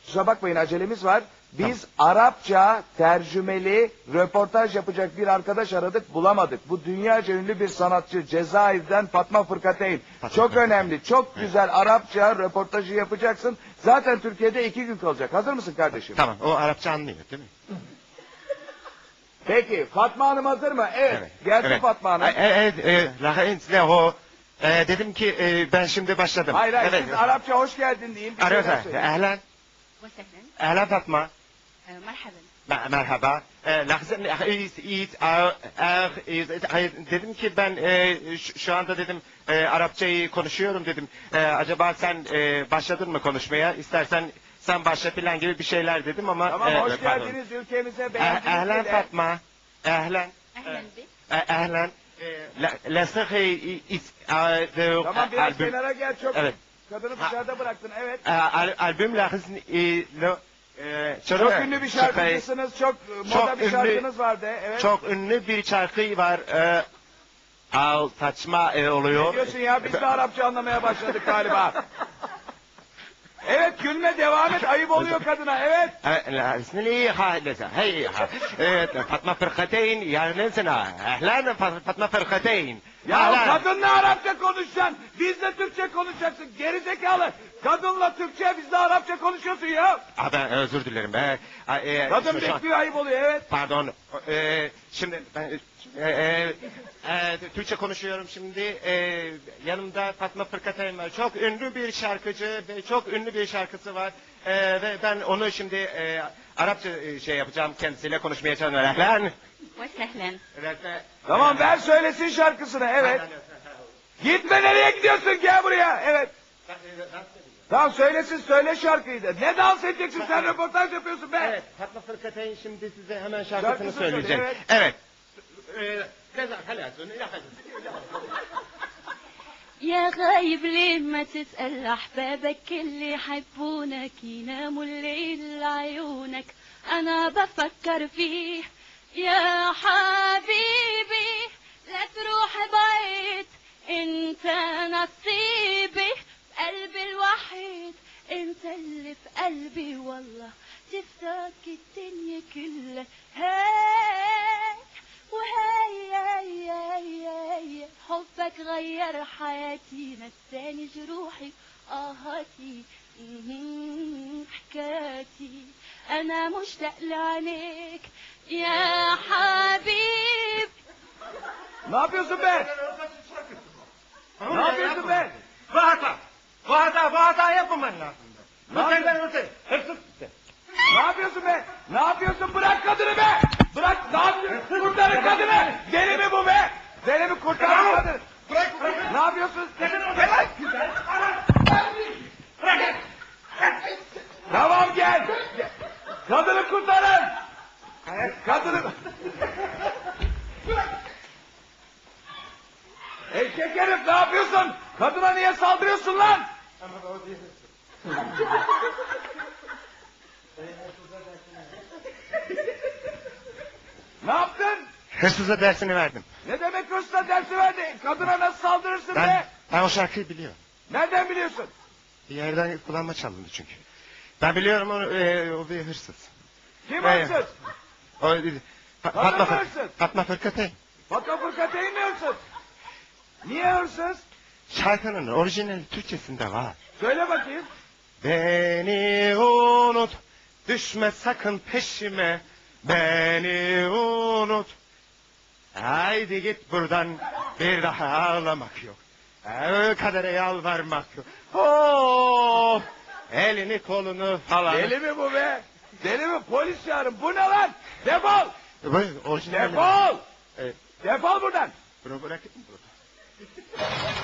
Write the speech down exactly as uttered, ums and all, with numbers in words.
Kusura bakmayın acelemiz var. Biz Arapça tercümeli röportaj yapacak bir arkadaş aradık, bulamadık. Bu dünyaca ünlü bir sanatçı Cezayir'den Fatma Fırkateyn. Çok önemli, çok güzel Arapça röportajı yapacaksın. Zaten Türkiye'de iki gün kalacak. Hazır mısın kardeşim? Tamam, o Arapça anlıyor değil mi? Peki, Fatma Hanım hazır mı? Evet, Evet, gelsin evet. Fatma Hanım. E, Evet, e, Rahim o. E, dedim ki e, ben şimdi başladım. Hayır hayır, Evet. siz Arapça hoş geldin deyin. bir Arapça. şeyler söyleyin. Ehlen. وسهلا Ehlen Fatma. آه، مرحبا Me- Merhaba. E, Lahzen, is, is, ah, ah, is, hayır, dedim ki ben e, şu, şu anda dedim e, Arapçayı konuşuyorum dedim. E, acaba sen e, başladın mı konuşmaya? İstersen sen başla falan gibi bir şeyler dedim ama. Tamam, e, hoş pardon. geldiniz ülkemize. Eh, Beğendiniz Ehlen mi de? Fatma. Ehlen. أهلا بك Eh, Ehlen. La, la sıhhi is, ah, the Tamam, biraz albüm. kenara gel. Çok Evet. kadını dışarıda bıraktın, evet. Eh, al, albüm lahzen, e, lo, e, Çok ünlü bir şarkıcısınız, çok e, moda Çok bir ünlü- şarkınız vardı, evet. Çok ünlü bir şarkı var. E, al saçma e, Ne oluyor. diyorsun ya, biz de Arapça anlamaya başladık galiba. Evet, gülme, devam et, ayıp oluyor kadına, evet. E, la, ismini ha lesa. Hey ha. Evet, Fatma Fırkateyn yarınısına. Ehlen Fat- Fatma Fırkateyn. Ya kadınla Arapça konuşacaksın, bizle Türkçe konuşacaksın, gerizekalı. Kadınla Türkçe, bizle Arapça konuşuyorsun ya. Ah, ben özür dilerim. E, e, Kadın şu- şu an- bekliyor, ayıp oluyor, evet. Pardon. E, şimdi ben e, e, e, Türkçe konuşuyorum şimdi. E, yanımda Fatma Fırkateyn var. Çok ünlü bir şarkıcı ve çok ünlü bir şarkısı var. E, ve ben onu şimdi e, Arapça e, şey yapacağım, kendisiyle konuşmaya çalışıyorum. Ehlen. وسهلا Tamam, ver söylesin şarkısını, evet. Gitme, nereye gidiyorsun, gel buraya, evet. Tamam, söylesin, söyle şarkıyı da. Ne dans edeceksin, sen röportaj yapıyorsun be. Evet, Fatma Fırkateyn şimdi size hemen şarkısını Şarkısını söyleyecek. söyle, Evet. Evet. Ee, Ceza, halasın, ilahasın. يا غايب ليه ما تسأل أحبابك اللي يحبونك يناموا الليل لعيونك أنا بفكر فيه يا حبيبي لا تروح بعيد انت نصيبي قلبي الوحيد انت اللي في قلبي والله تفتك الدنيا كلها هاي وهاي هاي هاي هاي حبك غير حياتي نساني جروحي آهاتي مهم، حكاياتي أنا مشتاق لعينيك يا حبيب Ne yapıyorsun be? Ne yapıyorsun be? Bu hata. Bu hata, bu hata yapmaman lazım. Bu Ne senden öte. Hırsız. Ne yapıyorsun be? Ne yapıyorsun? Bırak kadını be! Bırak, ne yapıyorsun? Kurtarın kadını! Deli mi bu be? Deli mi, kurtarın kadını? Bırak, bırak. Ne yapıyorsun? Bırak. Bırak. Tamam, gel! Kadını kurtarın! Kadını... Eşek herif, ne yapıyorsun? Kadına niye saldırıyorsun lan? Ne yaptın? Hırsıza dersini verdim. Ne demek hırsla dersi verdi? Kadına nasıl saldırırsın Ben, be? ben o şarkıyı biliyorum. Nereden biliyorsun? Bir yerden kullanma çalındı çünkü. Ben biliyorum onu, e, o bir hırsız. Kim Evet. hırsız? O, Fa- Kadın Fatma, mı hırsız? Fatma Fırkateyn. Fatma Fırkateyn mi hırsız? Niye hırsız? Şarkının orijinali Türkçesinde var. Söyle bakayım. Beni unut, düşme sakın peşime. Beni unut. Haydi git buradan, bir daha ağlamak yok. Ee, kadere yalvarmak yok. Oh, elini kolunu falan. Deli mi bu be? Deli mi? Polis çağırın. Bu ne lan? Defol! Bu orijinali. Defol! Evet. Defol buradan! Bunu bırakın.